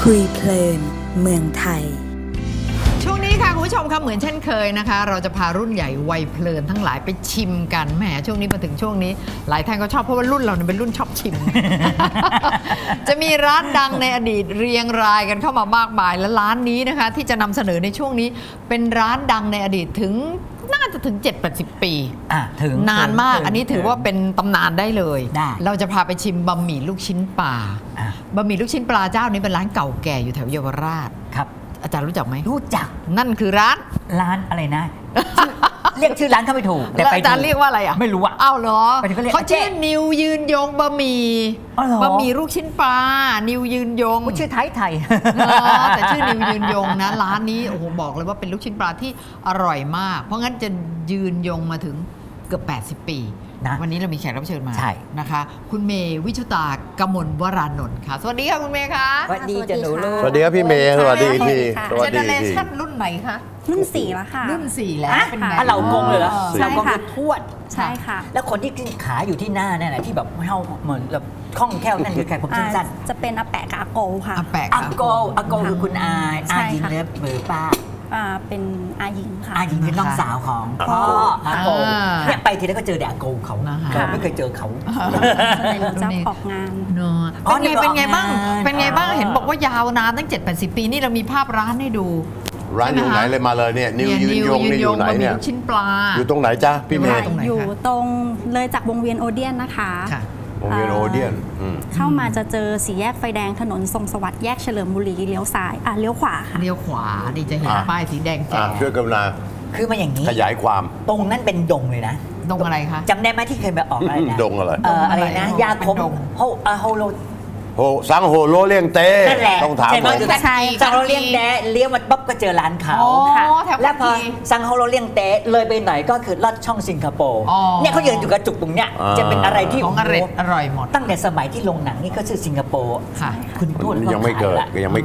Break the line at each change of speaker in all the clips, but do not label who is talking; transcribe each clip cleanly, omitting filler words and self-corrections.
คุยเพลินเมืองไทย
ช่วงนี้ค่ะคุณผู้ชมค่ะเหมือนเช่นเคยนะคะเราจะพารุ่นใหญ่วัยเพลินทั้งหลายไปชิมกันแหมช่วงนี้มาถึงช่วงนี้หลายท่านก็ชอบเพราะว่ารุ่นเราเนี่ยเป็นรุ่นชอบชิม จะมีร้านดังในอดีตเรียงรายกันเข้ามามากมายและร้านนี้นะคะที่จะนำเสนอในช่วงนี้เป็นร้านดังในอดีตถึงน่าจะถึง 7-80 ปี
ถึง
นานมากอันนี้ถือว่าเป็นตำนานได้เลย
ได้
เราจะพาไปชิมบะหมี่ลูกชิ้นปลาบะหมี่ลูกชิ้นปลาเจ้านี้เป็นร้านเก่าแก่อยู่แถวเยาวราช
ครับ
อาจารย์รู้จักไหม
รู้จัก
นั่นคือร้าน
อะไรนะ เรียกชื่อร้านเขาไม่ถูก
แต่อาจารย์เรียกว่าอะไรอ่ะ
ไม่รู้อ่ะ
อ้าวเหรอเขาชื่อนิวยืนยงบะหมี่บะหมี่ลูกชิ้นปลานิวยืนยง
ชื่อไทย
แต่ชื่อนิวยืนยงนะร้านนี้โอ้โหบอกเลยว่าเป็นลูกชิ้นปลาที่อร่อยมากเพราะงั้นจะยืนยงมาถึงเกือบ80 ปีวันนี้เรามีแขกรับเชิญมานะคะคุณเมย์วิชุตากมลวรานนท์ค่ะสวัสดีค่ะคุณเมย์ค่ะ
สวัสดีจ้ะหนูลูก
สวัสดีครับพี่เมย์สวัสดีพี่
เจเนเรชั่นรุ่นไหนคะ
รุ่น4แล้วค่ะ
รุ่น4แล้วเป็นไง
เหล่ากงเลยเหรอเหล่ากงทวด
ใช่ค่ะ
แล้วคนที่ขาอยู่ที่หน้าเนี่ยที่แบบเฮาเหมือนแบบคล่องแคล่วนั่นคือใครผมสั้น
จะเป็นอาแปะกับอาโกค่ะ
อาโกคือคุณอาหญิงเล็บเบอร์ป้า
เป็นอาหญิงค่ะ
อาหญิงเป็นน้องสาวของพ่ออาโกเนี่ยไปทีแล้วก็เจอแต่อาโกเขาไม่เคยเจอเขา
เราจะออกงาน
เป็นไงบ้างเห็นบอกว่ายาวนานตั้ง 7-80 ปีนี่เรามีภาพร้านให้ดู
ร้านอยู่ไหนเลยมาเลยเนี่ยนิวยืนยงนี่อยู่ไหนเนี่ย
ชิ้นปลา
อยู่ตรงไหนจ๊ะพี่เมย์
อยู่ตรงเลยจากวงเวียนโอเดียนนะคะ
วงเวียนโอเดียน
เข้ามาจะเจอสี่แยกไฟแดงถนนทรงสวัสดิ์แยกเฉลิมบุรีเลี้ยวซ้ายเลี้ยวขวาค่ะ
เลี้ยวขวาดีจะเห็นป้ายสีแดงแจ๋
ช่วยกรุณา
คือมาอย่างนี้
ขยายความ
ตรงนั้นเป็นดงเลยนะ
ดงอะไรคะ
จำได้ไหมที่เคยไปออกอะไรนะ
ดงอะไร
นะยาคมโฮโล
สังโฮโลเลี้ยงเต้ต้องถาม
ใช่สังโฮโลเลี้ยงเต้เลี้ยวมาปั๊บก็เจอร้านเขาแล้วพอสังโฮโลเลี้ยงเต้เลยไปไหนก็คือลอดช่องสิงคโปร์เนี่ยเขายืนอยู่กระจุกตรงเนี้ยจะเป็นอะไรที่
ของอร่อยหมด
ตั้งแต่สมัยที่ลงหนังนี่ก็ชื่อสิงคโปร์
คุณพูดยังไม่เกิด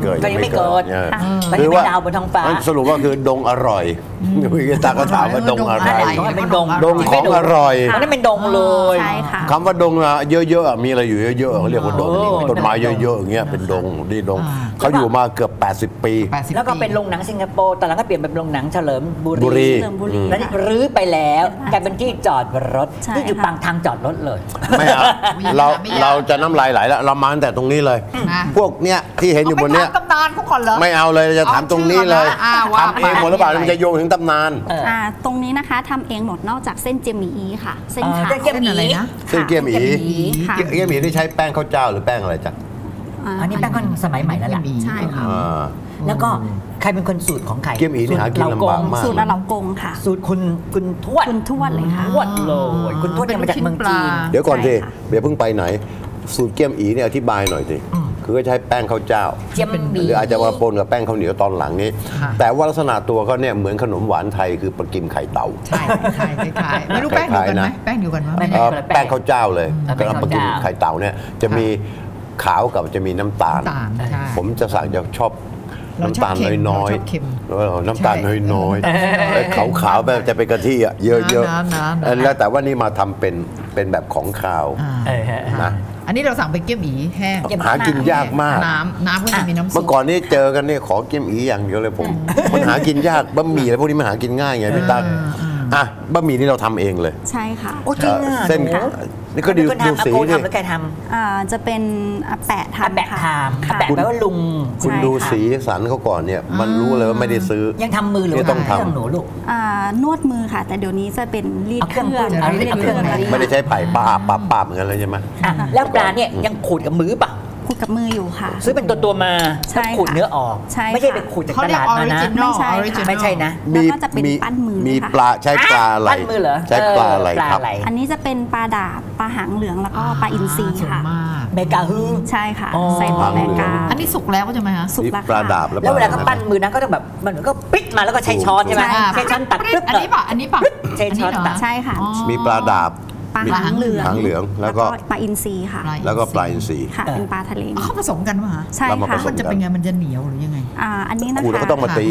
คือว่าดาวบนท้องฟ้า
สรุปว่าคือดงอร่อยพี่ตาก็ถามว่าดงอะไร
เป็นดง
ของอร่อย
นั่นเป็นดงเลย
คำว่าดงเยอะๆมีอะไรอยู่เยอะๆเขาเรียกว่าดงต้นไม้เยอะๆอย่างเงี้ยเป็นดงนี่ดงเขาอยู่มาเกือบ80 ปี
แล้วก็เป็นโรงหนังสิงคโปร์แต่หลังก็เปลี่ยนเป็นโรงหนังเฉลิมบุรีแล้วนี่รื้อไปแล้วกลายเป็นที่จอดรถที่อยู่ปางทางจอดรถเลย
ไม่เอาเราจะน้ำลายไหลแล้วเรามาตั้งแต่ตรงนี้เลยพวกเนี้ยที่เห็นอยู่บนเนี้ย
ตำนานเขาก่อนเหรอ
ไม่เอาเลยจะถามตรงนี้เลยทำเองหมดหรือเปล่ามันจะโยงถึงตำนาน
ตรงนี้นะคะทำเองหมดนอกจากเส้นเจียมหมี่ค่ะเส้นขาว
เส้นอะไรนะ
เส้นเกี๊ยมหมี่เกี๊ยมหมี่ที่ใช้แป้งข้าวเจ้าหรือแป้งอะไรจ๊ะ
อันนี้แป้งก็สมัยใหม่แล้วแหละ
ใช่ค่ะ
แล้วก็ใครเป็นคนสูตรของใคร
เกี๊ยมหมี่นี่หากินลำบากมาก
สูตรเหลากงค่ะ
สูตรคุณทวดเลยค่ะ
ทวด
เลยคุณทวดมาจากเมืองจีน
เดี๋ยวก่อนสิเดี๋ยวเพิ่งไปไหนสูตรเกี๊ยมอีเนี่ยอธิบายหน่อยสิคือก็ใช้แป้งข้าวเจ้าหรืออาจจะมาปนกับแป้งข้าวเหนียวตอนหลังนี้แต่ว่าลักษณะตัวเขาเนี่ยเหมือนขนมหวานไทยคือปลากิมไข่เต่า
ใช่ไม่รู้แป้งอยู่กันไหมแป้งอยู่กันไหม
แป้งข้าวเจ้าเลยกระปลากิมไข่เต่าเนี่ยจะมีขาวกับจะมีน้ำตาลผมจะสั่งจะชอบน้ำตาลน้อยๆน้ำตาลน้อยๆขาวๆแบบจะเป็นกะทิเยอะๆแล้วแต่ว่านี่มาทำเป็นแบบของคาวนะ
อันนี้เราสั่งเป็นเกี๊ยมอีแห้ง
หากินยากมาก
น้ำก็จะมีน้ำซุป
เมื่อก่อนนี้เจอกันเนี่ยขอเกี๊ยมอีอย่างเดียวเลยผมมันหากินยากบะหมี่อะไรพวกนี้มันหากินง่ายไงพี่ตั้งบะหมี่นี่เราทำเองเลย
ใช่ค่ะ
โอ้จริงอ่ะ
เส้นนี่ก็ดูสี
นี่ทำแล้วแกท
ำจะเป็นอาแปะทำ
อาแปะแปลว่าลุง
คุณดูสีสันเขาก่อนเนี่ยมันรู้เลยว่าไม่ได้ซื้อ
ยังทำมือหรือ
ต้องทำ
หนูลูก
นวดมือค่ะแต่เดี๋ยวนี้จะเป็นรีดเครื่อง
ไม่ได้ใช้ไผ่ป้าเหมือนกันเลยใช่ไหม
แล้วปลาเนี่ยยังขูดกับมือป่ะ
ขูดกับมืออยู่ค่ะ
ซื้อเป็นตัวมาขูดเนื้อออกไม่ใช่ไปขูดจากตลาดมานะไม่ใช่นะ
แล้วก็จะเป็นปั้นมือ
มีปลาใช้ปลาอะไรใช้ปลาอะไรครับ
อันนี้จะเป็นปลาดาบปลาหางเหลืองแล้วก็ปลาอินทรีค่ะ
เมกาฮือ
ใช่ค่ะใส่ปลาเมกา
อันนี้สุกแล้วใช่ไหมคะ
สุกแล้ว
ปลาดาบ
แล้วเวลาก็ปั้นมือนะก็ต้องแบบมันก็ปิ๊กมาแล้วก็ใช้ช้อนใช่ไหมใช้ช้อนตัดปึ๊บ
อันนี้ป่ะ
ใช้ช้อนตัด
ใช่ค่ะ
มีปลาดาบ
ปลาหางเห
ลืองแล้วก็
ปลาอินทรีค่ะ
แล้วก็ปลาอินทรี
ค่ะเป็นปลาทะเล
เขาผสมกันป่ะ
ใช่ค่ะ
มันจะเป็นไงมันจะเหนียวหรือยังไง
อันนี้นะคะ
ขูดแล้วก็ต้องมาตี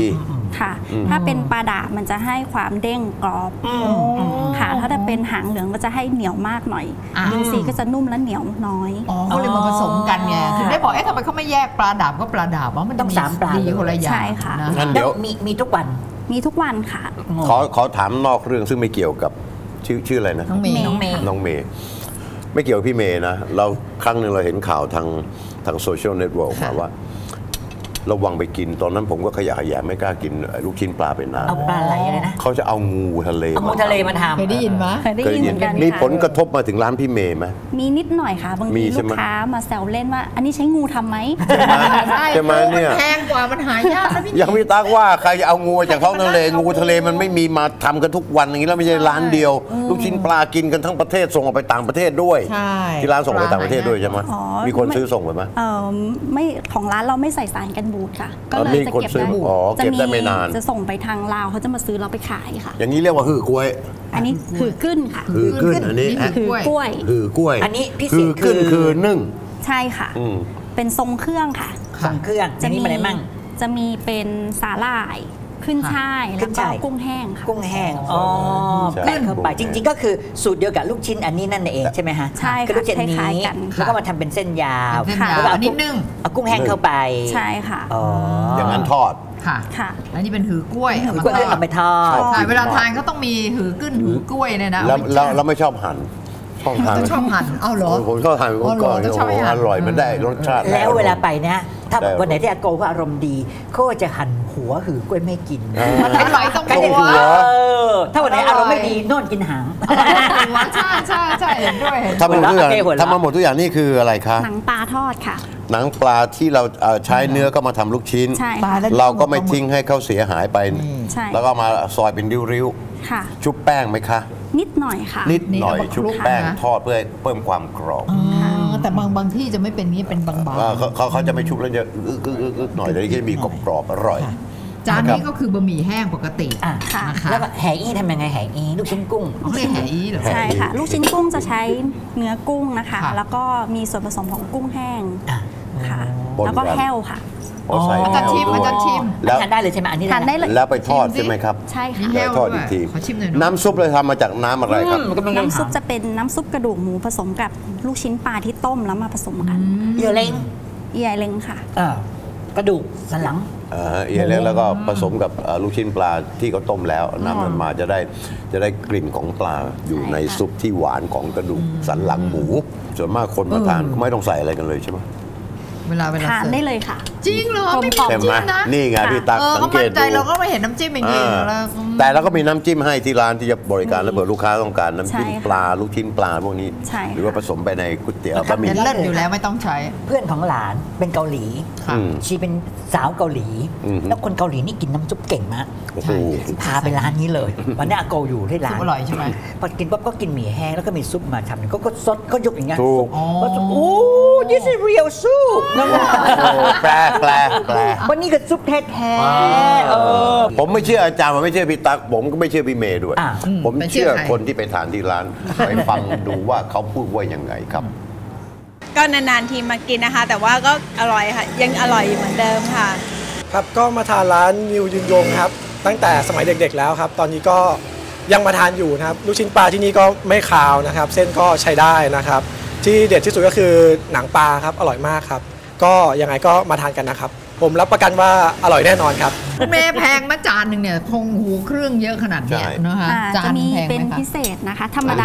ค่ะถ้าเป็นปลาดาบมันจะให้ความเด้งกรอบค่ะถ้าจะเป็นหางเหลืองก็จะให้เหนียวมากหน่อยอินทรีก็จะนุ่มและเหนียวน้อย
เขาเลยมาผสมกันไงถึงได้บอกทำไมเขาไม่แยกปลาดาบก็ปลาดาบว่ามันต้อง3 ปลาดีคนละอย่าง
ใช่ค่ะ
งั้นเดี๋ยวมีทุกวัน
ค่ะ
ขอถามนอกเรื่องซึ่งไม่เกี่ยวกับชื่ออะไรนะ
น้องเมย์
ไม่เกี่ยวกับพี่เมย์นะเราครั้งหนึ่งเราเห็นข่าวทางโซเชียลเน็ตเวิร์กมาว่าระวังไปกินตอนนั้นผมก็ขยะแขยงไม่กล้ากินลูกชิ้นปลาเป็นน้ำ
เอาปลาไหลเลยนะ
เขาจะเอางูทะเล
มาทำ
เคยได้ยินไหม
เคยได้ยินเหมือนกัน
มีผลกระทบมาถึงร้านพี่เมย์ไหม
มีนิดหน่อยค่ะบางทีลูกค้ามาแซวเล่นว่าอันนี้ใช้งูทำไหม
ใช่ไหมเนี่ย
แพงกว่ามันหายากนะพี่
ยังพี่ตั๊กว่าใครจะเอางูจากท้องทะเลงูทะเลมันไม่มีมาทำกันทุกวันอย่างนี้แล้วไม่ใช่ร้านเดียวลูกชิ้นปลากินกันทั้งประเทศส่งออกไปต่างประเทศด้วยที่ร้านส่งไปต่างประเทศด้วยใช่ไหมมีคนซื้อส่งไปไหม
ไม่ของร้านเราไม่ใส่สารกันบูดค่ะก็เลยจะเก็บ
ได้ไม่นาน
จะส่งไปทางลาวเขาจะมาซื้อเราไปขายค่ะ
อย่างนี้เรียกว่าหือกล้วย
อันนี้หือกึ้นค่ะ
หือกึ้นอันนี้
หือกล้วย
หือกล้วย
อันนี้พิเศษ
คือนึ่ง
ใช่ค่ะเป็นทรงเครื่องค่ะ
ทรงเครื่องจะมีอะไรมั่ง
จะมีเป็นสาหร่ายขึ้นช่ายแล้วก็กุ้งแห้งค่ะ
กุ้งแห้งแป้งเข้าไปจริงๆก็คือสูตรเดียวกับลูกชิ้นอันนี้นั่นเองใช่ไหมฮะ
ใช่ค่ะ
ลูกชิ้นนี้แล้วก็มาทำเป็นเส้นยาว
แล้วก็นิดนึง
เอากุ้งแห้งเข้าไป
ใช่ค่ะ
อย่างนั้นทอด
ค่ะแล้วนี่เป็นหือกล้วย
เอาไปทอด
เวลาทานก็ต้องมีหือกึ้นหือกล้วยเนี่ยนะ
แล้วไม่ชอบหั่น
ชอบหั่นเอาเหรอ
ผมชอบหั่นก่อนอร่อยมันได้รสชาติ
แล้วเวลาไปนะถ้าวันไหนที่อาโกเขาอารมณ์ดีเขาจะหั่นหัวหือกล้วยไม่กิน
อร่อยต้องหัว
ถ้าวันไหนอารมณ์ไม่ดีนอนกินหาง
ใช่เห็นด้วย
ทำมาหมดทุกอย่างนี่คืออะไรคะ
หนังปลาทอดค่ะ
หนังปลาที่เราใช้เนื้อก็มาทำลูกชิ้นเราก็ไม่ทิ้งให้เขาเสียหายไปแล้วก็มาซอยเป็นริ้วๆชุบแป้งไหมคะ
นิดหน่อยค่ะ
นิดหน่อยชุบแป้งทอดเพื่อเพิ่มความกรอบ
แต่บางที่จะไม่เป็นนี้เป็นบาง
ๆเขาจะไม่ชุบแล้วจะหน่อยแต่ที่จะมีกรอบอร่อย
จานนี้ก็คือบะหมี่แห้งปกติ
นะคะแล้วแห่อี้ทำยังไงแห่อี้ลูกชิ้นกุ้ง
เขาเรียกแห่อี้เหรอ
ใช่ค่ะลูกชิ้นกุ้งจะใช้เนื้อกุ้งนะคะแล้วก็มีส่วนผสมของกุ้งแห้งค่ะแล้วก็แห้วค่ะ
อาจารย์ชิม
แล้วทานได้เลยใช่ไหมอันนี้
ทานได้เลย
แล้วไปทอดใช่ไหมครับ
ใช่ค่ะ
แล้วทอดอีกทีน้ำซุปเลยทำมาจากน้ำอะไรครับ
น้ำซุปจะเป็นน้ำซุปกระดูกหมูผสมกับลูกชิ้นปลาที่ต้มแล้วมาผสมกัน
เอียเล้ง
ค่ะ
กระดูกสันหลัง
เอียเล้งแล้วก็ผสมกับลูกชิ้นปลาที่เขาต้มแล้วน้ำมันมาจะได้กลิ่นของปลาอยู่ในซุปที่หวานของกระดูกสันหลังหมูส่วนมากคนมาทานไม่ต้องใส่อะไรกันเลยใช่ไหม
เวลา
ทานได้เลยค่ะ
จริงเหรอไม่มีน้ำจิ้มนะ
นี่ไงพี่ตั๊กสังเกตดู
เราก็ไม่เห็นน้ำจิ้มอย่างนี้แล้ว
แต่เราก็มีน้ำจิ้มให้ที่ร้านที่จะบริการแล้วเผื่อลูกค้าต้องการน้ำจิ้มปลาลูกชิ้นปลาพวกนี้หรือว่าผสมไปในก๋วยเตี๋ยว
บะหมี่เลิศอยู่แล้วไม่ต้องใช้
เพื่อนของหลานเป็นเกาหลีชีเป็นสาวเกาหลีแล้วคนเกาหลีนี่กินน้ำซุปเก่งมากพาไปร้านนี้เลยวันนี้อาโกอยู่ที่ร้าน
อร่อยใช่ไหม
พอกินปั๊บก็กินหมี่แห้งแล้วก็มีซุปมาทำก็ซดก็ยกอย่างเงี้ยโอ้ this is real soup
แปล
วันนี้ก็ซุปแท้
ผมไม่เชื่ออาจารย์ผมไม่เชื่อพี่ตั๊กผมก็ไม่เชื่อพี่เมย์ด้วยผมเชื่อคนที่ไปทานที่ร้านไปฟังดูว่าเขาพูดว่ายังไงครับ
ก็นานๆทีมากินนะคะแต่ว่าก็อร่อยค่ะยังอร่อยเหมือนเดิมค่ะ
ครับก็มาทานร้านนิวยืนยงครับตั้งแต่สมัยเด็กๆแล้วครับตอนนี้ก็ยังมาทานอยู่นะครับลูกชิ้นปลาที่นี่ก็ไม่คาวนะครับเส้นก็ใช้ได้นะครับที่เด็ดที่สุดก็คือหนังปลาครับอร่อยมากครับก็ยังไงก็มาทานกันนะครับผมรับประกันว่าอร่อยแน่นอนครับ
คุณเมย์แพงมาจานหนึ่งเนี่ยคงหูเครื่องเยอะขนาดนี้นะคะ
จะมีเป็นพิเศษนะคะธรรมดา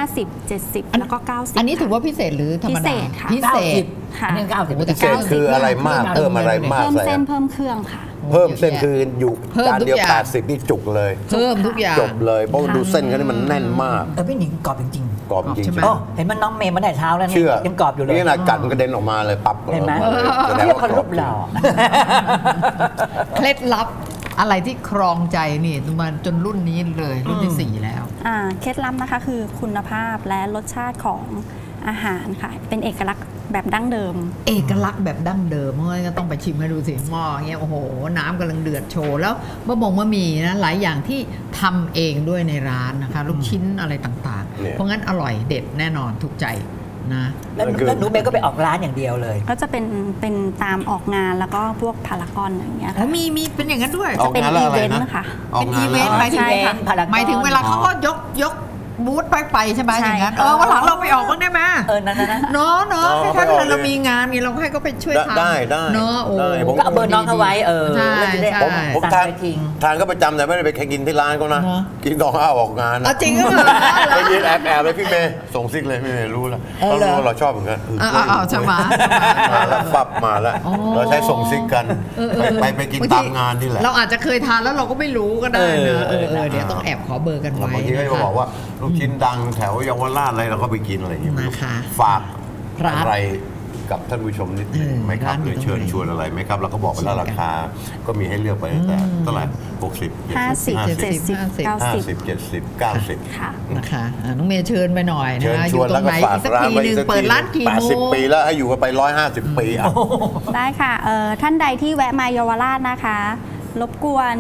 50 70แล้วก็90
อันนี้ถือว่าพิเศษหรือธรรมดา
พิเศษ
ค่ะอันนี้90
พิเศษคืออะไรมากเพิ่มอะไรมาก
เพิ่มเส้นเพิ่มเครื่องค่ะ
เพิ่มเส้นคืออยู่จานเดียว80นี่จุกเลย
เพิ่มทุกอย่าง
จบเลยเพราะดูเส้นกันนี่มันแน่นมาก
พี่หนิงกรอบจริง
กรอบจริง
เห็นมันน้องเมย์มาแต่เช้าแล้วเนี่ยยังกรอบอยู่เลย
นี่นะกัดมันกระเด็นออกมาเลยปั๊บ
เห็นไหมเรียกคนรูปหล่อ
เคล็ดลับอะไรที่ครองใจนี่มาจนรุ่นนี้เลยรุ่นที่4แล้ว
เคล็ดลับนะคะคือคุณภาพและรสชาติของอาหารค่ะเป็นเอกลักษณ์แบบดั้งเดิม
เอกลักษณ์แบบดั้งเดิมเมื่อก็ต้องไปชิมให้ดูสิหม้อเงี้ยโอ้โหน้ำกำลังเดือดโชว์แล้วบะหมี่นะหลายอย่างที่ทำเองด้วยในร้านนะคะลูกชิ้นอะไรต่างๆเพราะงั้นอร่อยเด็ดแน่นอนถูกใจนะ
แล้วหนูเมย์ก็ไปออกร้านอย่างเดียวเลย
ก็จะเป็นตามออกงานแล้วก็พวกพารากอนอย่างเงี้ยค่ะ
มีเป็นอย่างนั้นด้วย
จะเป็นอีเวนต์ค่ะ
เป็นอีเวนต์หมายถึงเวลาเขาก็ยกบูธไปใช่ไหมอย่างนั้นวันหลังเราไปออกบ้างได้ไหม
นั่น
เนาะถ้าเรามีงานนี่เราให้ก็ไปช่วยทำ
ได้
เนาะ
ผมก็เอาเบอร์น้องเขาไว้
ผมทานก็ประจำแต่ไม่ได้ไปแข่งกินที่ร้านเขานะกินตอนออกงาน
จริงก็
ไปยืนแอบเลยพี่เมย์ส่งซิกเลยพี่เมย์รู้แล้วเขารู้เราชอบเหมือนกัน
ใช่ไหม
แล้วฟับมาแล้วเราใช้ส่งซิกกันไปกินตามงานนี่แหละ
เราอาจจะเคยทานแล้วเราก็ไม่รู้ก็ได้เนอะเดี๋ยวต้องแอบขอเบอร์กันไว้
บางทีก็จะบอกว่าลูกชิ้นดังแถวเยาวราชอะไรเราก็ไปกินอะไรอย่างเงี้ยฝากอะไรกับท่านผู้ชมนิดนึงไหมครับหรือเชิญชวนอะไรไหมครับเราก็บอกไปแล้วราคาก็มีให้เลือกไปตั้งแต่เท่าไหร่
50 70
90ค่ะนะคะน้องเมย์เชิญไปหน่อยนะ
อยู่ตรงไหนอีกสักทีนึง
เปิดร้านกี่โมง
80 ปีแล้วให้อยู่กันไป150 ปี
ได้ค่ะท่านใดที่แวะมาเยาวราชนะคะรบกวน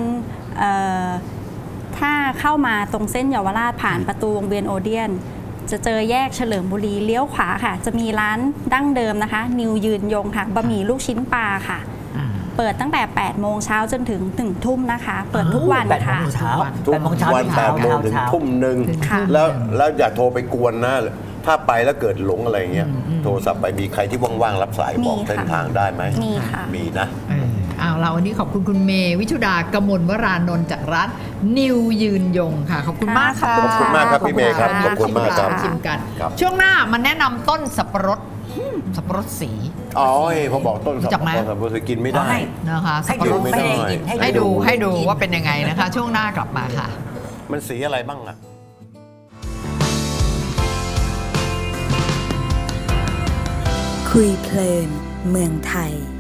ถ้าเข้ามาตรงเส้นเยาวราชผ่านประตูวงเวียนโอเดียนจะเจอแยกเฉลิมบุรีเลี้ยวขวาค่ะจะมีร้านดั้งเดิมนะคะนิวยืนยงค่ะบะหมี่ลูกชิ้นปลาค่ะเปิดตั้งแต่8 โมงเช้าจนถึง1 ทุ่มนะคะเปิดทุกวันค่ะ
8 โมงเช้า
8 โมงถึงทุ่มหนึ่งแล้วอย่าโทรไปกวนนะถ้าไปแล้วเกิดหลงอะไรเงี้ยโทรศัพท์ไปมีใครที่ว่างๆรับสายบอกเส้นทางได้ไหม
มีค่ะ
มีนะ
เราวันนี้ขอบคุณคุณเมย์วิชุดากมลวรานนท์จากร้านนิวยืนยงค่ะขอบคุณมากค่ะ
ขอบคุณมากครับพี่เมย์ครับขอบคุณมากครับ
ชิมกันช่วงหน้ามันแนะนำต้นสับปะรดสี
พอบอกต้นสับปะรดกินไม่ได้
นะคะสับปะรดไม่ได้ให้ดูว่าเป็นยังไงนะคะช่วงหน้ากลับมาค่ะ
มันสีอะไรบ้างอะ
คุยเพลินเมืองไทย